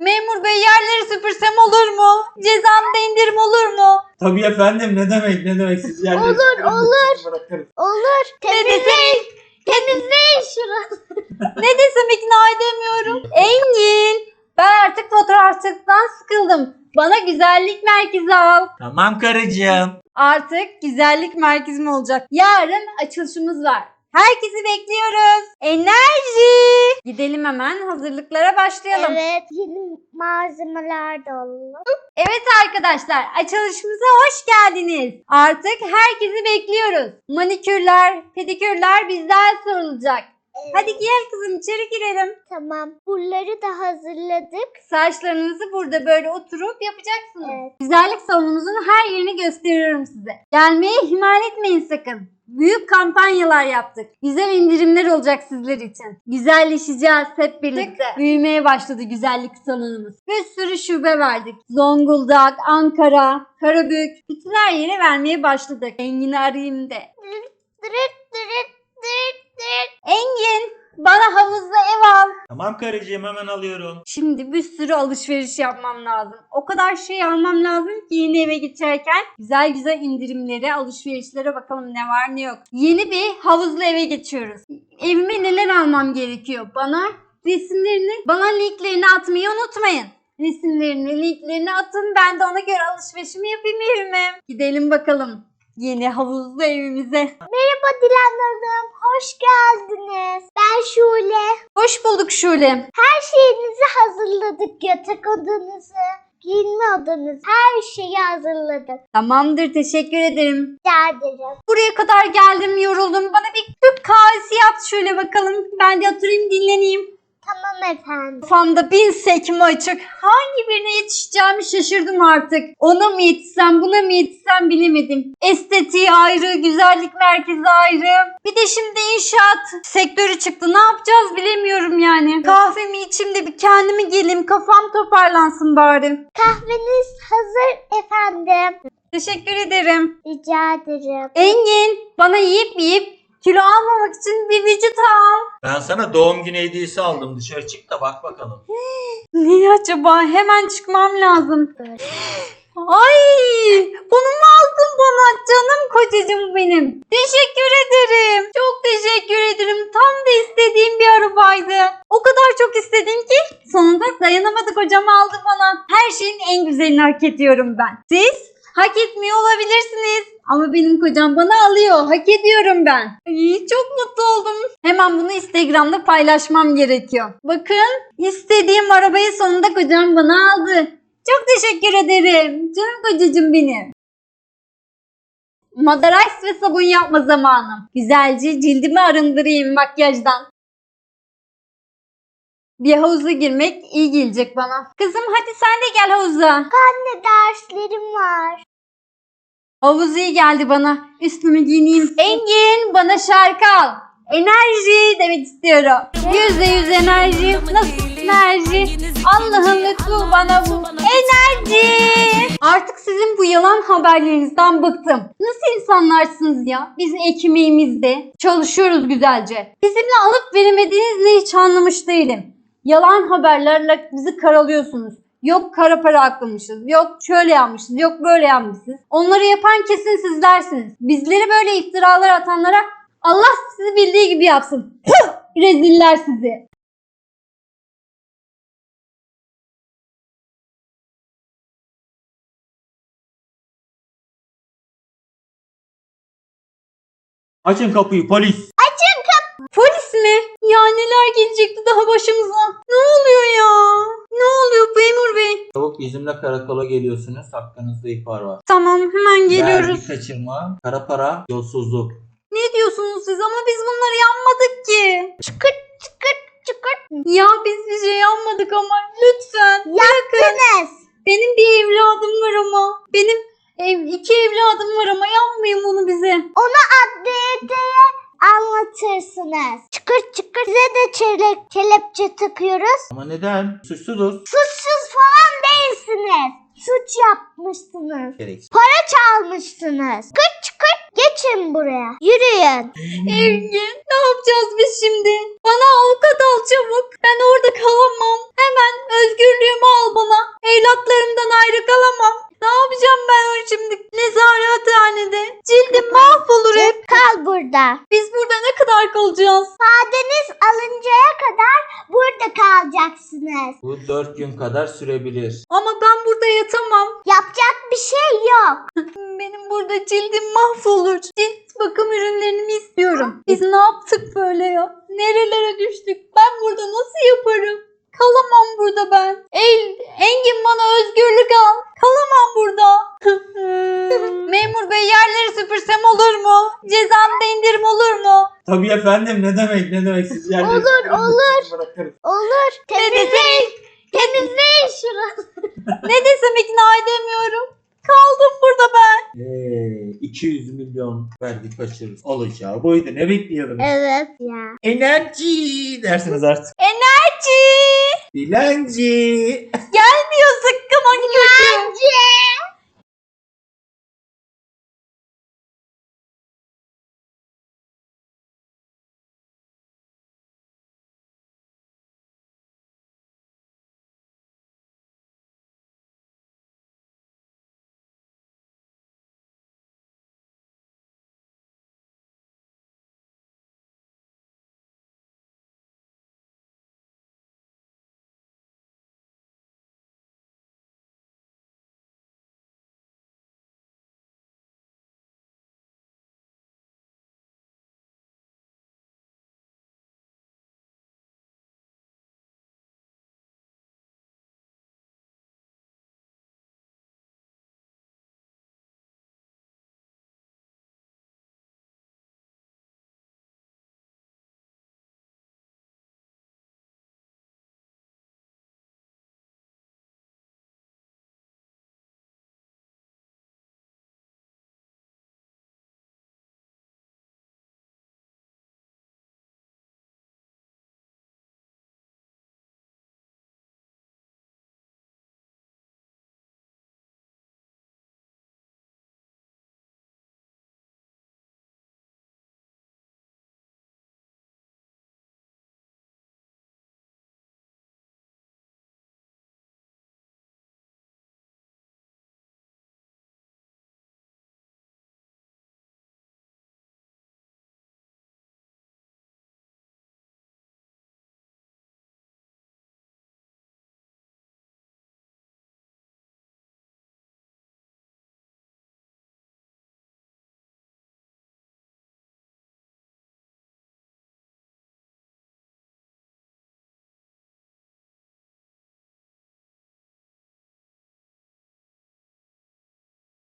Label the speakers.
Speaker 1: Memur bey, yerleri süpürsem olur mu? Cezamda indirim olur mu?
Speaker 2: Tabii efendim, ne demek siz yerleri
Speaker 3: Olur,
Speaker 2: süpürün de
Speaker 3: olur.
Speaker 2: sizi bırakırız.
Speaker 3: Olur. Temizleyin şurası.
Speaker 1: Ne desem ikna edemiyorum. Engin, ben artık fotoğrafçılıktan sıkıldım. Bana güzellik merkezi al.
Speaker 2: Tamam karıcığım.
Speaker 1: Artık güzellik merkezim olacak. Yarın açılışımız var. Herkesi bekliyoruz. Enerji. Gidelim hemen, hazırlıklara başlayalım.
Speaker 3: Evet. Yeni malzemeler de alalım.
Speaker 1: Evet arkadaşlar, açılışımıza hoş geldiniz. Artık herkesi bekliyoruz. Manikürler, pedikürler bizden sorulacak. Hadi gel kızım, içeri girelim.
Speaker 3: Tamam. Buraları da hazırladık.
Speaker 1: Saçlarınızı burada böyle oturup yapacaksınız.
Speaker 3: Evet.
Speaker 1: Güzellik salonumuzun her yerini gösteriyorum size. Gelmeye ihmal etmeyin sakın. Büyük kampanyalar yaptık. Güzel indirimler olacak sizler için. Güzelleşeceğiz hep birlikte. Büyümeye başladı güzellik salonumuz. Bir sürü şube verdik. Zonguldak, Ankara, Karabük. Bütün her yere vermeye başladık. Engin'i arayayım de. Engin, bana havuzda ev al.
Speaker 2: Tamam karıcığım, hemen alıyorum.
Speaker 1: Şimdi bir sürü alışveriş yapmam lazım. O kadar şey almam lazım ki yeni eve geçerken güzel güzel indirimlere, alışverişlere bakalım ne var ne yok. Yeni bir havuzlu eve geçiyoruz. Evime neler almam gerekiyor? Bana resimlerini, bana linklerini atmayı unutmayın. Resimlerini, linklerini atın. Ben de ona göre alışverişimi yapayım evime. Gidelim bakalım yeni havuzlu evimize.
Speaker 3: Merhaba Dilan Hanım. Hoş geldiniz. Ben Şule.
Speaker 1: Hoş bulduk Şule.
Speaker 3: Her şeyinizi hazırladık. Yatak odanızı, giyinme odanızı. Her şeyi hazırladık.
Speaker 1: Tamamdır, teşekkür ederim.
Speaker 3: Rica ederim.
Speaker 1: Buraya kadar geldim, yoruldum. Bana bir Türk kahvesi yap şöyle bakalım. Ben de oturayım, dinleneyim.
Speaker 3: Tamam efendim.
Speaker 1: Kafamda bin sekme açık. Hangi birine yetişeceğimi şaşırdım artık. Ona mı yetişsem, buna mı yetişsem bilemedim. Estetiği ayrı, güzellik merkezi ayrı. Bir de şimdi inşaat sektörü çıktı. Ne yapacağız bilemiyorum yani. Kahvemi içeyim de bir kendime geleyim. Kafam toparlansın bari.
Speaker 3: Kahveniz hazır efendim.
Speaker 1: Teşekkür ederim.
Speaker 3: Rica ederim.
Speaker 1: Engin, bana yiyip kilo almamak için bir vücut al.
Speaker 2: Ben sana doğum günü hediyesi aldım. Dışarı çık da bak bakalım.
Speaker 1: Ne acaba? Hemen çıkmam lazım.
Speaker 3: Evet.
Speaker 1: Ay, bunu mu aldın bana? Canım kocacığım benim. Teşekkür ederim. Çok teşekkür ederim. Tam da istediğim bir arabaydı. O kadar çok istedim ki sonunda dayanamadı, kocam aldı bana. Her şeyin en güzelini hak ediyorum ben. Siz hak etmiyor olabilirsiniz. Ama benim kocam bana alıyor. Hak ediyorum ben. Ay, çok mutlu oldum. Hemen bunu Instagram'da paylaşmam gerekiyor. Bakın, istediğim arabayı sonunda kocam bana aldı. Çok teşekkür ederim. Canım kocacığım benim. Madara Ice ve sabun yapma zamanım. Güzelce cildimi arındırayım makyajdan. Bir havuza girmek iyi gelecek bana. Kızım hadi sen de gel havuza.
Speaker 3: Anne derslerim var.
Speaker 1: Havuz iyi geldi bana. Üstümü giyineyim. Engin, bana şarkı al. Enerji demek istiyorum. %100 enerji. Nasıl enerji? Allah'ın lütfu bana bu. Enerji. Artık sizin bu yalan haberlerinizden bıktım. Nasıl insanlarsınız ya? Biz ekmeğimizde çalışıyoruz güzelce. Bizimle alıp veremediğinizi hiç anlamış değilim. Yalan haberlerle bizi karalıyorsunuz. Yok kara para aklamışız, yok şöyle yapmışız, yok böyle yapmışız. Onları yapan kesin sizlersiniz. Bizleri böyle iftiralar atanlara Allah sizi bildiği gibi yapsın. Reziller sizi.
Speaker 2: Açın kapıyı, polis.
Speaker 1: Polis mi? Ya neler gelecekti daha başımıza? Ne oluyor ya? Ne oluyor memur bey?
Speaker 2: Çabuk bizimle karakola geliyorsunuz. Hakkınızda ihbar var.
Speaker 1: Tamam, hemen geliyoruz.
Speaker 2: Vergi kaçırma, kara para, yolsuzluk.
Speaker 1: Ne diyorsunuz siz? Ama biz bunları yapmadık ki.
Speaker 3: Çıkır.
Speaker 1: Ya biz bir şey yapmadık ama lütfen.
Speaker 3: Yaptınız.
Speaker 1: Benim bir evladım var ama. Benim iki evladım var ama yapmayın bunu bize.
Speaker 3: Onu adliyeye anlatırsınız. Çıkır. Size de kelepçe takıyoruz.
Speaker 2: Ama neden? Suçsuzuz.
Speaker 3: Suçsuz falan değilsiniz. Suç yapmışsınız.
Speaker 2: Gereksiz.
Speaker 3: Para çalmışsınız. Çıkır. Geç Geçin buraya. Yürüyün.
Speaker 1: Engin ne yapacağız biz şimdi? Bana avukat al çabuk. Ben orada kalamam. Hemen özgürlüğümü al bana. Evlatlarımdan ayrı kalamam. Ne yapacağım ben şimdi nezarethanede? Cildim mahvolur hep.
Speaker 3: Kal burada.
Speaker 1: Biz burada ne kadar kalacağız?
Speaker 3: İfadeniz alıncaya kadar burada kalacaksınız.
Speaker 2: Bu 4 gün kadar sürebilir.
Speaker 1: Ama ben burada yatamam.
Speaker 3: Yapacak bir şey yok.
Speaker 1: Benim burada cildim mahvolur. Cilt bakım ürünlerini istiyorum. Biz ne yaptık böyle ya? Nerelere düştük? Ben burada nasıl yaparım? Kalamam burada ben. Engin bana özgürlük al. Kalamam burada. Memur bey yerleri süpürsem olur mu? Cezamda indirim olur mu?
Speaker 2: Tabii efendim, ne demek siz yerleri
Speaker 3: Olur,
Speaker 2: süpürün,
Speaker 3: olur.
Speaker 2: sizi bırakırız.
Speaker 3: Olur. Temizleyin. Temizleyin şurası.
Speaker 1: Ne desem ikna edemiyorum. Kaldım burada ben.
Speaker 2: 200 milyon verdik kaçırırız. Olacağı buydu, ne bekliyordunuz?
Speaker 3: Evet ya.
Speaker 2: Enerji dersiniz artık.
Speaker 1: Enerji.
Speaker 2: Dilenci.
Speaker 1: Gelmiyor zıkkım hani kötü.
Speaker 3: Bence.